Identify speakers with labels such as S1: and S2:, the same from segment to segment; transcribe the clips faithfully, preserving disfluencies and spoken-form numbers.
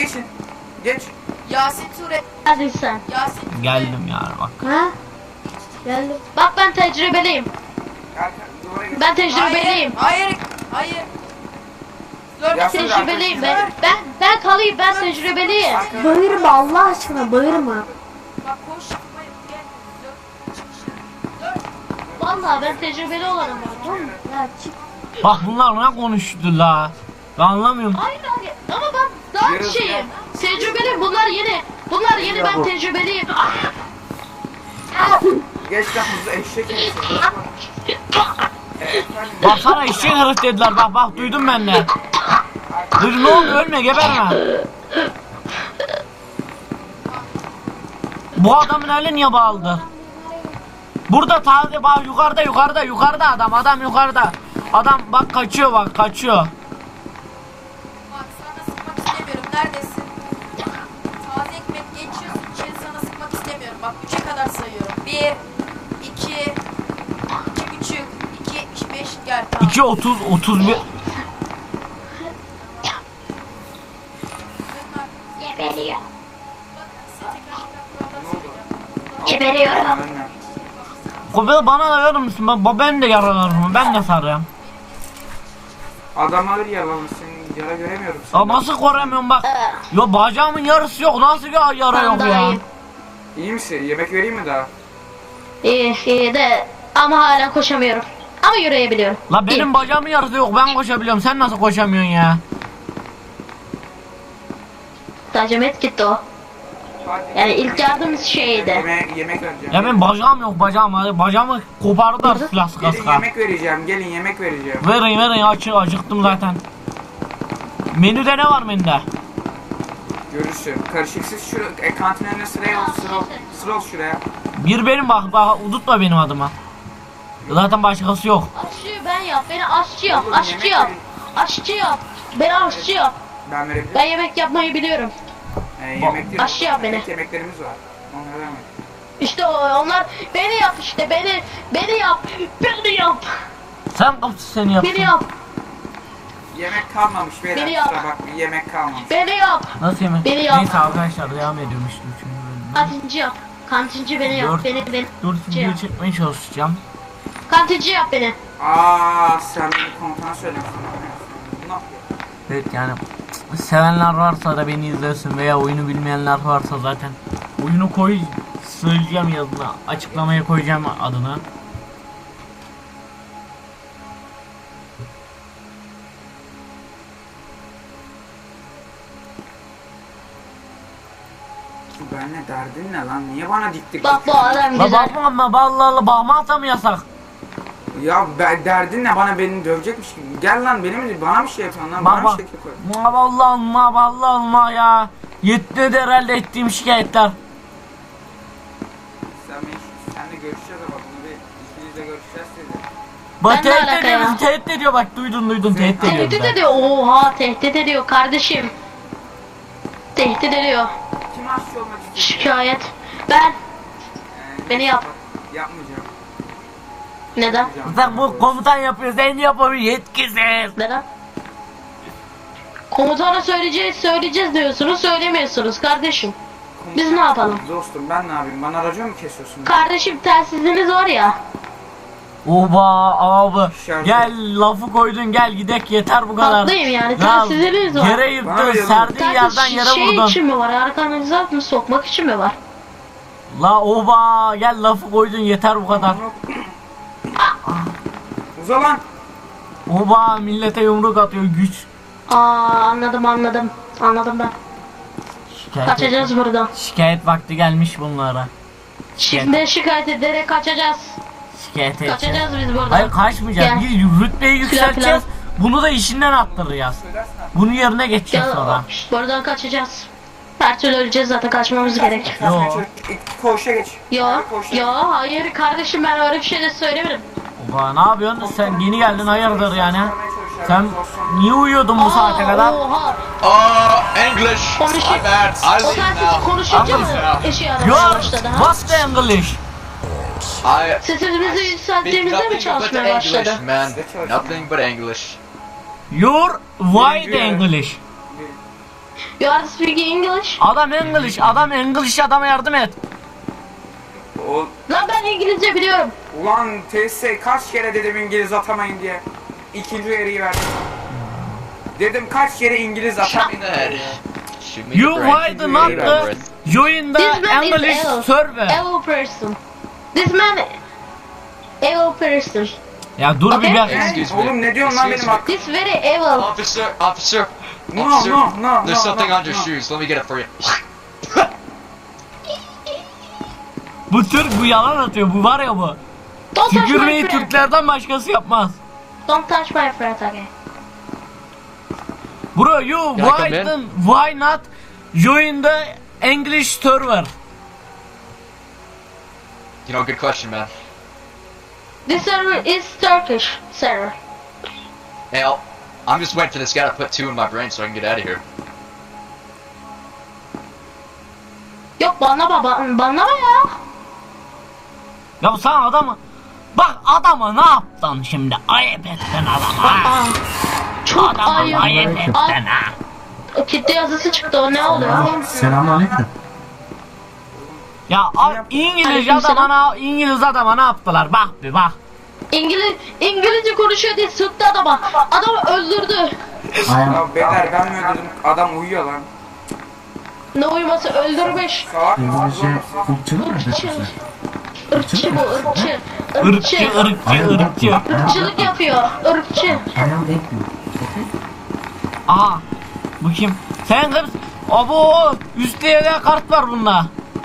S1: geçin. Geç.
S2: Yasin Ture.
S3: Hadi sen.
S2: Yasin Ture.
S4: Geldim yani bak.
S3: Ha? Geldim. Bak ben tecrübeliyim.
S1: Arka, duvara geç.
S3: Ben tecrübeliyim.
S2: Hayır. Hayır. Hayır. Dur.
S1: Yasin
S3: Tecrübeliyim ben.
S1: arkadaşlar.
S3: Ben ben kalayım, ben tecrübeliyim.
S1: Arka-
S5: Bağırma Allah aşkına bağırma.
S2: Bak koş. Hayır, gel. Dur. Çık dışarı. Dur.
S3: Vallahi ben tecrübeli olanım ben. Oğlum.
S5: Ya çık.
S4: Bak bunlar ne konuştu la? Ben anlamıyorum.
S3: Hayır hayır. Ama ben daha
S1: Yarın-
S3: şeyim. Tecrübeliyim. Bunlar yeni. Bunlar yeni, ben tecrübeliyim.
S1: Geç lan hızlı eşek herif. Ee, efendim,
S4: Bak sana eşek herif dediler. Bak bak duydum ben de. Dur ne oldu, ölme, geberme. Bu adamın eli niye bağlıdır? Burada taze bak, yukarıda yukarıda yukarıda adam adam yukarıda. Adam bak kaçıyor, bak kaçıyor.
S2: Bak sana sıkmak istemiyorum. Neredesin? Taze ekmek geçiyorsun. İçeri sana sıkmak istemiyorum. Bak üçe kadar sayıyorum. Bir, iki, iki buçuk, iki yetmiş beş. Gel tamam.
S4: iki otuz otuz bir.
S3: Geberiyor.
S2: Size tekrar tekrar kurallar söyleyeceğim.
S3: Geberiyorum.
S1: anne.
S4: Kobel bana da verir misin? Ben, ben de yaralarım. Ben de sarıyorum.
S1: Adam alır yaralanır, senin yara göremiyorum seni.
S4: Ya nasıl koruyamıyorum bak. Ya bacağımın yarısı yok. Nasıl ya yara
S3: Ben
S4: yok
S3: daha
S4: ya?
S3: iyiyim.
S1: İyi misin? Yemek vereyim mi daha?
S3: İyi, iyi de ama hala koşamıyorum. Ama yürüyebiliyorum.
S4: La benim bacağımın yarısı yok. Ben koşabiliyorum. Sen nasıl koşamıyorsun ya?
S3: Sadece medkit o.
S1: Hadi.
S3: Yani ilk yardım şeydi.
S1: Yemek, yemek vereceğim.
S4: Ya benim bacağım yok, bacağım. Hadi bacağımı kopardılar silah sıka
S1: Gelin
S4: sıka.
S1: yemek vereceğim, gelin yemek vereceğim.
S4: Verin verin, açı acıktım zaten. Menüde ne var menüde?
S1: Görürsün. Karışıksız şu e, kantin önüne sıraya ol, sıra ol, sıra ol şuraya.
S4: Bir benim bak, bak unutma benim adıma. Zaten başkası yok.
S3: Aşçı ben yap, beni aşçı yap,
S1: Oğlum,
S3: aşçı
S1: yemek
S3: yap.
S1: verin.
S3: Aşçı yap. Beni aşçı yap.
S1: Ben verebilirim.
S3: Ben yemek yapmayı biliyorum.
S1: Ee, yemek değil.
S3: Aşçı yap beni.
S1: yemek- Yemeklerimiz var. Onları vermedim.
S3: İşte o, onlar beni yap işte, beni, beni yap, beni yap,
S4: Sen kapısı seni yaptın.
S3: beni yap,
S1: Yemek kalmamış beyler,
S3: Beni yap.
S1: kusura bakmayın, yemek kalmamış.
S3: beni yap.
S4: Nasıl yemek?
S3: Beni yap.
S4: Neyse arkadaşlar devam ediyorum işte üçüncü bölümden.
S3: Kantinci yap. Kantinci beni yap,
S4: Dört-
S3: beni, beni.
S4: Dört video çekmeye çalışacağım.
S3: Kantinci yap beni.
S1: Aaa sen beni komutan söylemişsin. Ne yapıyor?
S4: Evet yani sevenler varsa da beni izlesin veya oyunu bilmeyenler varsa zaten oyunu koy, söyleyeceğim yazına, açıklamaya koyacağım adını.
S1: Benle derdin ne lan? Niye bana dik dik
S3: Bak bu
S1: bakıyorsun?
S3: adam
S4: La
S3: güzel.
S4: bakma ama vallahi bakmazsa mı yasak?
S1: Ya ben, derdin ne? Bana beni dövecekmiş gibi. Gel lan benim mi? Bana bir şey yapıyorsun lan. Bana
S4: Bak
S1: bir
S4: bak.
S1: şey yapıyor.
S4: Ma vallahi ma vallahi ma ya. Yetti de herhalde ettiğim şikayetler.
S1: Sen beni, senle görüşeceğiz ama bunu bir ikimiz de görüşeceğiz dedi.
S4: Bak
S3: Ben ne
S4: tehdit
S3: alaka
S4: ediyor,
S3: ya?
S4: bizi tehdit ediyor, bak duydun duydun
S1: Sen-
S4: tehdit ediyor.
S3: Tehdit
S4: bizi.
S3: ediyor. Oha, tehdit ediyor kardeşim. Tehdit ediyor.
S1: Kim aşçı olmak istiyor?
S3: Şikayet. Ben.
S1: Ee,
S3: Beni yap.
S1: Yapmayacağım.
S3: Neden?
S1: Yapmayacağım.
S4: Sen bu komutan yapıyor, sen yapamıyor, yetkisiz.
S3: Neden? Komutana söyleyeceğiz, söyleyeceğiz diyorsunuz, söylemiyorsunuz kardeşim. Biz ne yapalım?
S1: Dostum ben ne yapayım? Bana racon mu kesiyorsun?
S3: Kardeşim telsiziniz var ya.
S4: Oba abi
S1: Şarjı.
S4: gel lafı koydun, gel gidek yeter bu kadar.
S3: Haklıyım yani,
S4: Ya,
S3: telsizleriniz var.
S4: Yere
S1: Bana
S4: yırttın,
S1: ver
S4: serdiğin yerden
S3: Telsiz
S4: yere
S3: şey
S4: vurdun.
S3: için mi var? Arkanıza mı sokmak için mi var?
S4: La oba gel lafı koydun, yeter bu kadar.
S1: Uza lan.
S4: Oba millete yumruk atıyor, güç.
S3: Aa, anladım anladım. Anladım ben.
S4: Şikayet,
S3: Kaçacağız buradan.
S4: şikayet vakti gelmiş bunlara.
S3: Şimdi şikayet ederek kaçacağız.
S4: Şikayet edeceğiz.
S3: Kaçacağız biz buradan.
S4: Hayır kaçmayacağız.
S3: Gel.
S4: Bir rütbeyi yükselteceğiz.
S3: plan.
S4: Bunu da işinden attıracağız. Bunun yerine geçeceğiz
S3: Gel,
S4: sonra.
S3: buradan kaçacağız. Her türlü öleceğiz zaten, kaçmamız gerek.
S4: Yo.
S1: Koğuşa geç.
S3: Yo,
S1: Koğuşa
S3: yo, hayır kardeşim, ben öyle bir şey de söylemedim.
S4: Oba ne yapıyorsun? Sen yeni geldin, hayırdır yani? Sen niye uyuyordun bu saate
S3: Aa,
S4: kadar?
S3: Oha.
S6: Uh, English.
S3: Konuş-
S6: My bad. I
S3: O
S6: leave
S3: telsiz
S6: now.
S3: konuşunca mı
S6: now.
S3: eşi
S4: You
S3: aramaya
S4: are
S3: başladı ha?
S4: what's the English?
S6: I
S3: Sesimizi
S6: speak
S3: yükselttiğimizde mi
S6: nothing but
S3: çalışmaya başladı?
S6: English, man. Nothing but English.
S4: You're why the
S1: Birinci-
S4: English?
S3: You are speaking English?
S4: Adam English, adam English, adama yardım et.
S1: O,
S3: Lan ben İngilizce biliyorum.
S1: ulan T S kaç kere dedim İngiliz atamayın diye. İkinci uyarıyı verdim. Dedim kaç kere İngiliz atamayın.
S6: Shoot me in
S4: You
S6: the brain.
S4: why not the join the
S3: This man
S4: English
S3: is evil.
S4: server?
S3: Evil person. This man evil person.
S4: Ya dur bir
S3: Okay.
S4: gel.
S1: Ne?
S6: Excuse me.
S1: Oğlum ne diyorsun lan benim
S6: Excuse me.
S1: hakkım?
S3: This very evil.
S6: Officer, officer,
S1: No,
S6: officer.
S1: no, no,
S6: There's
S1: no,
S6: something
S1: no,
S6: on your
S1: no.
S6: shoes. Let me get it for you.
S4: Bu Türk, bu yalan atıyor, bu var ya bu.
S3: Don't touch my
S4: Tükürmeyi
S3: friend.
S4: Türklerden başkası yapmaz.
S3: Don't touch my friend, okay?
S4: Bro, you
S6: Can I come
S4: why,
S6: in?
S4: the, why not join the English server?
S6: You know, good question, man.
S3: This server is Turkish server.
S6: Hey, I'll, I'm just waiting for this guy to put two in my brain so I can get out of here.
S3: Yok banlama ban banlama ya.
S4: Ya sen adamı... Bak adama ne yaptın şimdi? Ayıp ettin adama.
S3: Aa, çok
S4: Adama
S3: ayıp.
S4: ayıp ettin
S3: Ay,
S4: ha.
S3: o kitle yazısı çıktı, o ne oluyor?
S5: Selamünaleyküm.
S4: Ya a- İngiliz
S3: Aleykümselam.
S4: adama, İngiliz adama ne yaptılar? Bak bir bak.
S3: İngiliz İngilizce konuşuyor diye sıktı adama. Adamı öldürdü.
S5: Ayağım.
S1: Ya beyler ben mi öldürdüm? Adam uyuyor lan.
S3: Ne uyuması, öldürmüş.
S1: Salak
S5: İngilizce
S1: mısın?
S5: ırkçılık mı yapıyorsun?
S3: Irkçı bu, ırkçı.
S4: Irkçı,
S3: Irkçı.
S4: ırkçı, ırkçı.
S3: Irkçılık yapıyor, ırkçı.
S5: Ayağım ekmiyor.
S4: Aha. Bu kim? Sen kız. Abo, üstte de kart var bunda.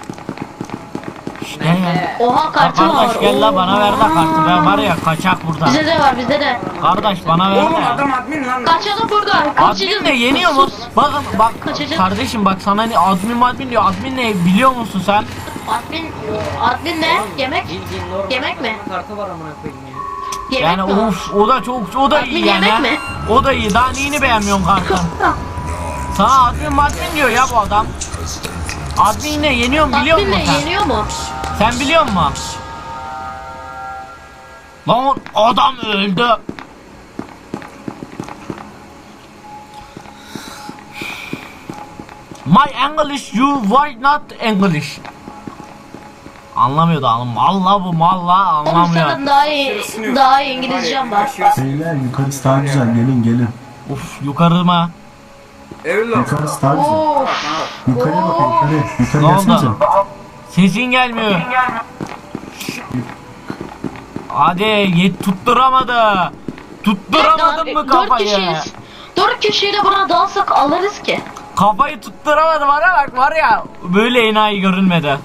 S4: İşte ya.
S3: Oha, kartı var.
S4: Kardeş gel la bana ver de kartı. Ben var ya kaçak burada.
S3: Bize de var, bize de.
S4: Kardeş bana ver
S1: Oğlum
S4: de.
S1: adam admin lan.
S3: Kaçalım burada.
S4: Admin ne yeniyor mu? Bakın bak
S3: Kaçacak.
S4: kardeşim bak sana ne admin admin diyor. Admin ne biliyor musun sen?
S3: Admin, admin ne? Yemek? Yemek mi?
S7: Kartı var amına koyayım ya.
S3: Yemek
S4: Yani
S3: mi o?
S4: of o da çok o da iyi
S3: Admin
S4: yani.
S3: yemek
S4: ha.
S3: mi?
S4: O da iyi. Daha neyini beğenmiyorsun kartın? Sana admin admin diyor ya bu adam. Admin ne yeniyor mu biliyor
S3: Admin
S4: musun
S3: ne,
S4: sen?
S3: yeniyor mu?
S4: Sen biliyor musun? Lan adam öldü. My English, you why not English? Anlamıyordu oğlum. Valla bu malla
S3: Oğlum
S4: anlamıyor.
S3: senin daha iyi, daha iyi İngilizcem var.
S5: Beyler yukarısı daha güzel. Gelin gelin.
S4: Uf yukarı mı?
S1: Evli
S5: Yukarısı daha güzel.
S3: Of.
S5: Yukarıya bakın yukarı. Yukarı
S4: Ne
S5: gelsenize.
S4: oldu? Sesin gelmiyor. Hadi yet tutturamadı. Tutturamadın mı
S3: Dört
S4: kafayı?
S3: kişiyiz. Dört kişiyle buna dalsak alırız ki.
S4: Kafayı tutturamadı var ya bak var ya böyle enayi görünmedi.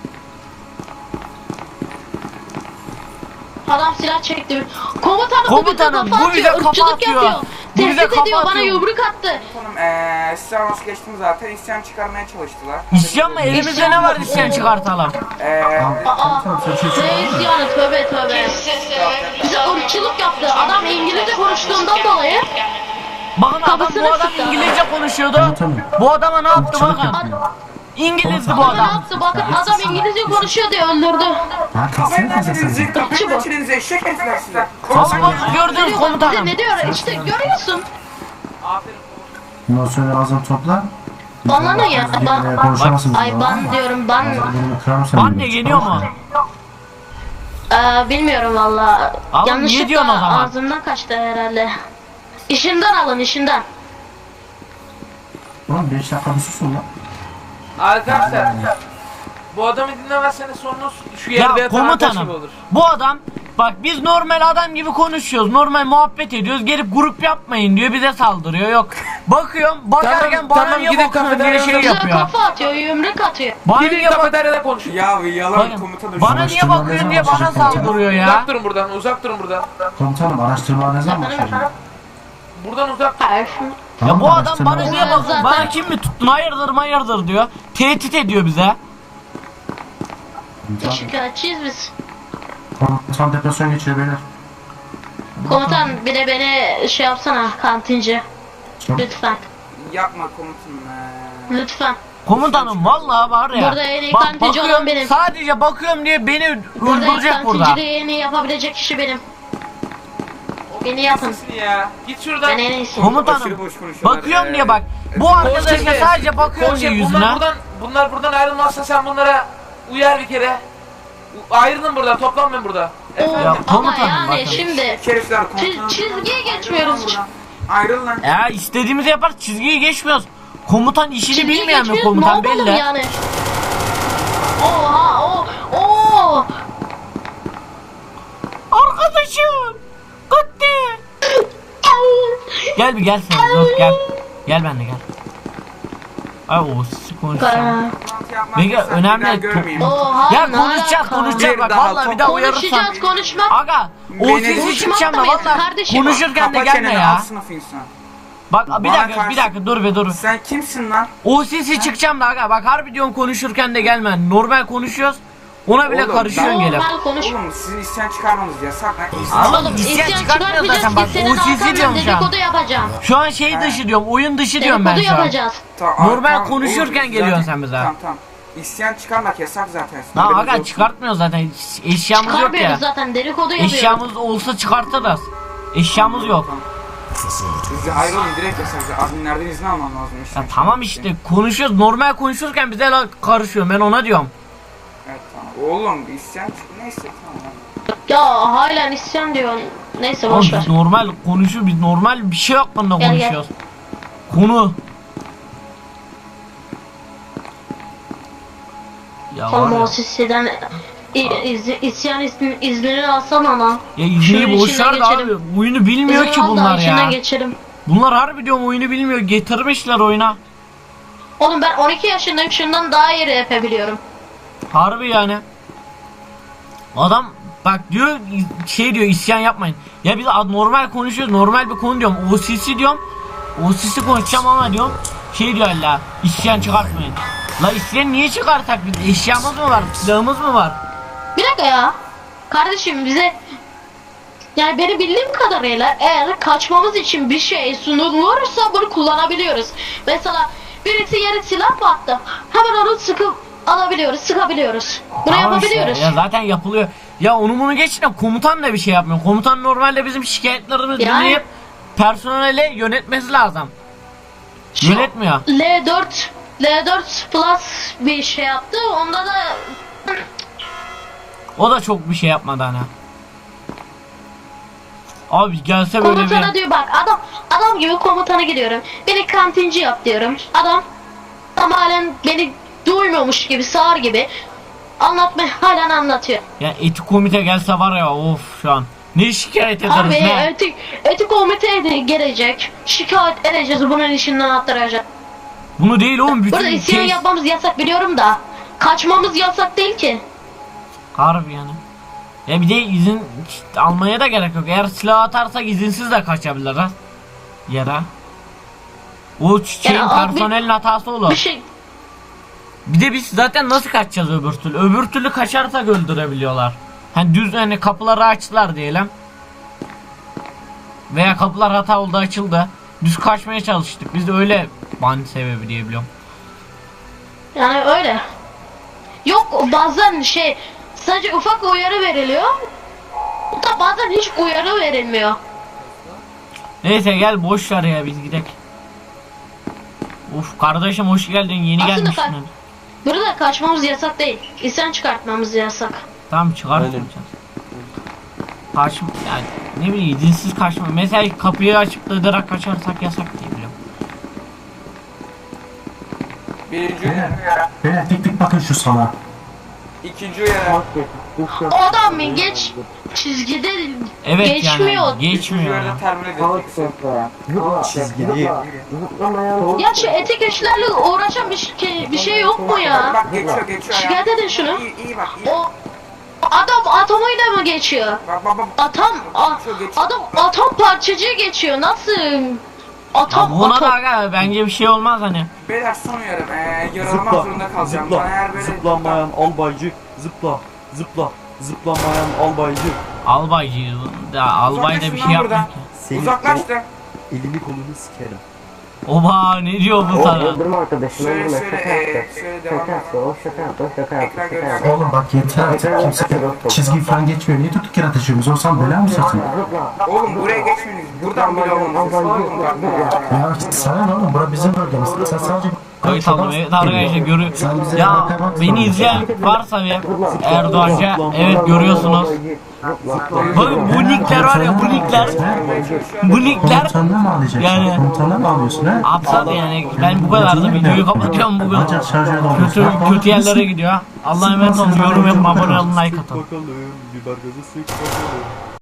S3: Adam silah çekti. Komutanım,
S4: Komutanım,
S3: bu
S4: bu bize kafa
S3: ırkçılık
S4: atıyor.
S3: yapıyor.
S4: Bu bize
S3: Tehdit
S4: kafa
S3: ediyor, bana
S4: atıyor.
S3: yumruk attı.
S1: Oğlum eee size hoş geçtim zaten. İsyan çıkarmaya çalıştılar.
S4: İsyan mı? Elimizde ne var isyan çıkartalım?
S1: Eee
S3: Aa,
S5: Tamam sen şey
S3: ne isyanı, tövbe tövbe. Bize ırkçılık yaptı. Adam İngilizce konuştuğundan dolayı.
S4: Bakın adam
S3: Kafasını
S4: bu adam
S3: sıktı.
S4: İngilizce konuşuyordu.
S5: Komutanım.
S4: Bu adama ne yaptı
S5: Irkçılık
S4: bakın.
S5: yapıyor.
S4: İngilizdi bu
S3: Ama ne
S4: adam.
S3: yaptı? Bakın adam İngilizce konuşuyor diye öldürdü.
S5: Ha
S1: kapayın
S5: kalsana
S1: lan
S5: kızım
S1: çenenizi,
S5: sen.
S1: kapayın lan
S3: bu.
S1: çenenizi, eşek herifler size.
S4: Ama bak gördünüz
S3: Ne diyor,
S4: komutanım.
S3: bize ne diyor? İşte görüyorsun.
S5: Bundan sonra ağzını topla.
S3: Banlanın ya. Ban,
S5: Ban, konuşamazsınız.
S3: ay ban diyorum, ban.
S5: Benim kırarım seni.
S4: Anne yeniyor mu?
S3: Ee, bilmiyorum valla.
S4: Oğlum, niye
S3: Yanlışlıkla
S4: diyorsun o zaman?
S3: ağzımdan kaçtı herhalde. İşinden alın, işinden.
S5: Oğlum beş dakika bir susun lan.
S7: Arkadaşlar bu adamı dinlemezseniz sonunuz şu yerde
S4: Ya
S7: yatan arkadaş gibi
S4: komutanım
S7: olur.
S4: bu adam bak biz normal adam gibi konuşuyoruz. Normal muhabbet ediyoruz. Gelip grup yapmayın diyor bize saldırıyor. Yok. Bakıyorum bakarken
S7: Tamam,
S4: bana
S7: tamam,
S4: niye
S7: gidin
S4: bakıyorsun diye
S7: kafeteryada
S4: şey
S3: Bize
S4: yapıyor.
S3: kafa atıyor, yumruk atıyor.
S4: Bana
S7: Gidin
S4: niye bak
S7: kafeteryada konuşun.
S1: Ya yalan
S4: Bakın,
S1: komutanım.
S4: bana niye
S5: Araştırma
S4: bakıyorsun
S5: ne
S4: diye
S5: zaman
S4: bana
S5: başlayacak
S4: saldırıyor ya.
S7: Uzak durun buradan, uzak durun buradan.
S5: Komutanım araştırma ne zaman başlayacak?
S7: Buradan uzak durun.
S3: Hayır.
S4: Ya
S5: Tamam,
S4: bu adam
S5: araştırma-
S4: bana niye
S3: Zaten-
S4: bakıyor? Bana kim mi tuttun? Hayırdır hayırdır diyor. Tehdit ediyor bize.
S5: Komutan-
S3: Şikayetçiyiz biz.
S5: Komutan depresyon geçiriyor beyler.
S3: Komutan bir de beni şey yapsana, kantinci.
S5: Çok-
S3: Lütfen.
S1: Yapma komutanım. eee.
S3: Lütfen.
S4: Komutanım vallahi var ya.
S3: Burada en iyi
S4: bak,
S3: kantici
S4: bakıyorum,
S3: olan benim.
S4: Sadece bakıyorum diye beni
S3: Burada
S4: öldürecek burada.
S3: kantinciliği en iyi yapabilecek kişi benim. Beni yapın.
S7: Sesini ya. Git şuradan.
S3: Ben en iyisi.
S4: Komutanım
S1: Aşırı boş konuşuyorlar.
S4: bakıyorum
S1: Ee,
S4: diye bak. Bu arkadaşa
S7: Koşe,
S4: sadece bakıyorum diye
S7: Koşe,
S4: yüzüne.
S7: bunlar buradan, bunlar buradan ayrılmazsa sen bunlara uyar bir kere. U- Ayrılın buradan, toplanmayın burada. Efendim?
S4: Ya,
S3: Ama
S4: komutanım
S3: yani
S4: bakın.
S3: şimdi
S1: Herifler
S3: Çiz- çizgiye geçmiyoruz.
S1: Ayrıl lan.
S4: Ya istediğimizi yapar, çizgiyi geçmiyoruz. Komutan işini
S3: çizgiye
S4: bilmeyen mi
S3: geçmiyoruz,
S4: komutan
S3: ne yapalım
S4: belli.
S3: yani? Oha o o.
S4: Arkadaşım. Gitti. Gel bir gel sen dur gel. Gel ben de gel. Ay o sizi konuşacağım. Peki, önemli-
S1: Görmeyeyim.
S3: Oha
S4: Ya
S3: ne
S4: konuşacağız
S3: alaka?
S4: konuşacağız bak
S1: Bir daha
S4: vallahi bir daha uyarırsan.
S3: Konuşacağız konuşmak.
S4: Aga o
S1: Beni-
S4: sesi
S3: Konuşmak
S4: çıkacağım da
S3: da mıyız
S4: vallahi
S3: kardeşim?
S4: konuşurken de
S1: Kapa
S4: gelme
S1: çeneni,
S4: ya.
S1: al sınıf insan.
S4: Bak bir
S1: Bana
S4: dakika
S1: karşı-
S4: bir dakika dur be dur.
S1: Sen kimsin lan?
S4: O sesi çıkacağım da aga bak harbi diyorum konuşurken de gelme. Normal konuşuyoruz. Ona bile
S1: Oğlum,
S4: karışıyorsun
S1: ben-
S4: gelip.
S3: Normal konuş.
S1: Oğlum sizin isyan çıkarmanız yasak lan. İsyan-
S4: Oğlum
S3: Oğlum
S4: isyan
S3: isyan
S4: çıkartmıyor
S3: çıkartmayacağız
S4: zaten bak.
S3: ki senin
S4: O sesi
S3: arkandan
S4: diyorum şu an.
S3: dedikodu yapacağım.
S4: Şu an şey dışı diyorum. Oyun dışı diyorum ben
S3: Dedikodu
S4: şu an.
S3: yapacağız.
S1: Ta-
S4: Normal
S1: tamam,
S4: konuşurken
S1: oğlum,
S4: geliyorsun
S1: zaten-
S4: sen bize.
S1: Tamam tamam. İsyan çıkarmak yasak zaten.
S4: Lan
S1: Haberiniz
S4: aga
S1: olsun.
S4: çıkartmıyor zaten. Eşyamız yok
S3: Çıkarmıyoruz
S4: ya.
S3: zaten dedikodu yapıyoruz.
S4: Eşyamız olsa çıkartırız. Eşyamız yok.
S1: Siz de ayrılın direkt yasak. Adminlerden izin alman lazım.
S4: Ya
S1: isyan
S4: tamam
S1: çıkarmak
S4: işte
S1: için.
S4: konuşuyoruz. Normal konuşurken bize la- karışıyor. Ben ona diyorum.
S1: Evet tamam. Oğlum isyan çık. Neyse tamam.
S3: Ya halen isyan diyorsun. Neyse
S4: Oğlum
S3: boş ver.
S4: biz normal konuşuyor. Biz normal bir şey hakkında
S3: Gel, gel.
S4: konuşuyoruz. Konu. Ya var
S3: Oğlum
S4: ya.
S3: o sisiden iz, isyan izni, iznini alsana lan.
S4: Ya
S3: Şunun
S4: izneyi boş
S3: içinden
S4: ver de abi.
S3: geçelim.
S4: Oyunu bilmiyor
S3: İzin
S4: ki
S3: al da
S4: bunlar
S3: içinden
S4: ya.
S3: geçelim.
S4: Bunlar harbi diyorum oyunu bilmiyor. Getirmişler oyuna.
S3: Oğlum ben on iki yaşındayım, şundan daha iyi yapabiliyorum.
S4: Harbi yani. Adam bak diyor şey diyor isyan yapmayın. Ya biz ad- normal konuşuyoruz. Normal bir konu diyorum. O C C diyorum. O C C konuşacağım ama diyorum. Şey diyor hala isyan çıkartmayın. La isyan niye çıkartak biz? Eşyamız mı var? Silahımız mı var?
S3: Bir dakika ya. Kardeşim bize yani benim bildiğim kadarıyla eğer kaçmamız için bir şey sunulursa bunu kullanabiliyoruz. Mesela birisi yere silah mı attı? Hemen onu sıkıp alabiliyoruz, sıkabiliyoruz. Bunu
S4: Tamam
S3: yapabiliyoruz.
S4: işte, ya zaten yapılıyor. Ya onu bunu geç de komutan da bir şey yapmıyor. Komutan normalde bizim şikayetlerimizi
S3: Yani-
S4: dinleyip personele yönetmesi lazım.
S3: Şu
S4: Yönetmiyor.
S3: L dört L dört Plus bir şey yaptı. Onda da
S4: O da çok bir şey yapmadı hani. Abi gelse böyle
S3: komutana
S4: bir...
S3: diyor bak adam adam gibi komutana gidiyorum. Beni kantinci yap diyorum. Adam adam halen beni duymuyormuş gibi sağır gibi anlatmaya halen anlatıyor.
S4: Ya etik komite gelse var ya of şu an. Ne şikayet ederiz
S3: Abi
S4: ne?
S3: etik etik komite de gelecek. Şikayet edeceğiz bunun işinden attıracak.
S4: Bunu değil oğlum bütün
S3: Burada isyan
S4: kes...
S3: yapmamız yasak biliyorum da kaçmamız yasak değil ki.
S4: Harbi yani. Ya bir de izin almaya da gerek yok. Eğer silah atarsak izinsiz de kaçabilir ha. Yere. O şeyin
S3: Yani abi-
S4: personelin hatası olur.
S3: Bir şey
S4: Bir de biz zaten nasıl kaçacağız öbür türlü? Öbür türlü kaçarsak öldürebiliyorlar. Hani düz hani kapıları açtılar diyelim. Veya kapılar hata oldu açıldı. Düz kaçmaya çalıştık. Biz de öyle ban sebebi diye biliyorum.
S3: yani öyle. Yok bazen şey sadece ufak uyarı veriliyor. Da bazen hiç uyarı verilmiyor.
S4: Neyse gel boş ver ya biz gidelim. Uf kardeşim hoş geldin yeni
S3: Aslında
S4: gelmişsin.
S3: ka- Burada kaçmamız yasak değil. İsyan çıkartmamız yasak.
S4: Tamam çıkartmayacağız. Kaçma yani ne bileyim izinsiz kaçma. Mesela kapıyı açıp da direkt kaçarsak yasak diye biliyorum.
S1: Birinci uyarı.
S5: Beyler tek tek bakın şu sana.
S1: İkinci uyarı.
S3: O adam mı geç çizgide
S4: Evet
S3: geçmiyor.
S4: yani
S1: Üçüncü
S4: geçmiyor.
S1: uyarıda terminal edeceksin.
S8: Çizgili.
S3: Ya şu etik işlerle uğraşan bir şey, bir şey yok mu ya?
S1: Bak geçiyor geçiyor ya.
S3: Şikayet edin şunu.
S1: İyi iyi bak iyi.
S3: O adam atomuyla mı geçiyor?
S1: Bak bak bak.
S3: Atom a-
S1: Geçiyor, geçiyor.
S3: adam atom parçacığı geçiyor. Nasıl?
S4: Ya
S3: Atom
S4: buna
S3: atom.
S4: da aga bence bir şey olmaz hani.
S1: Beyler son uyarı. Ee, yaralamak
S8: Zıpla.
S1: zorunda kalacağım. Bana
S8: Zıpla.
S1: eğer böyle...
S8: Zıplamayan albaycı. Zıpla. Zıpla. Zıplamayan albaycı.
S4: Albaycı da albay da bir şey
S1: Uzaklaşın lan
S4: yapmıyor
S1: buradan.
S4: ki.
S8: Senin
S1: Uzaklaştı.
S8: o elini kolunu sikerim.
S4: Oba ne diyor bu sana?
S9: Öldürme arkadaşını,
S1: Söyle
S9: öldürme.
S1: söyle
S9: Şaka
S1: ee,
S9: yaptı.
S1: söyle devam
S9: Şaka
S1: et.
S9: yaptı, o şaka yaptı, o şaka yaptı,
S1: Ekran
S9: şaka
S1: görüntüsü.
S9: yaptı.
S5: Oğlum bak yeter artık. Kimse çizgi falan geçmiyor. Niye durduk yere ateşiyoruz? Olsan bela mı satın?
S9: Zıpla.
S1: Oğlum buraya geçmeniz buradan bile olmaz. Oğlum bak ya.
S5: Ya sana ne oğlum? Bura bizim bölgemiz. Sen sadece...
S4: Evet tamam evet arkadaşlar görüyor.
S5: Sen bize
S4: Ya
S5: baka bak
S4: beni
S5: sonra.
S4: izleyen varsa bir Erdoğanca evet görüyorsunuz. Bakın bu nickler var ya bu nickler. Bu nickler
S5: Komutanına mı alacaksın?
S4: yani-
S5: Komutanına mı alıyorsun ha?
S4: Aptal yani ben bu kadar da videoyu kapatıyorum bugün.
S5: Ancak şarjör dolduruyorsun.
S4: Kötü
S5: Ha,
S4: kötü yerlere gidiyor. Allah'a emanet olun. Yorum yapın, abone olun, like atın.
S8: Bakalım biber gazı sık bakalım.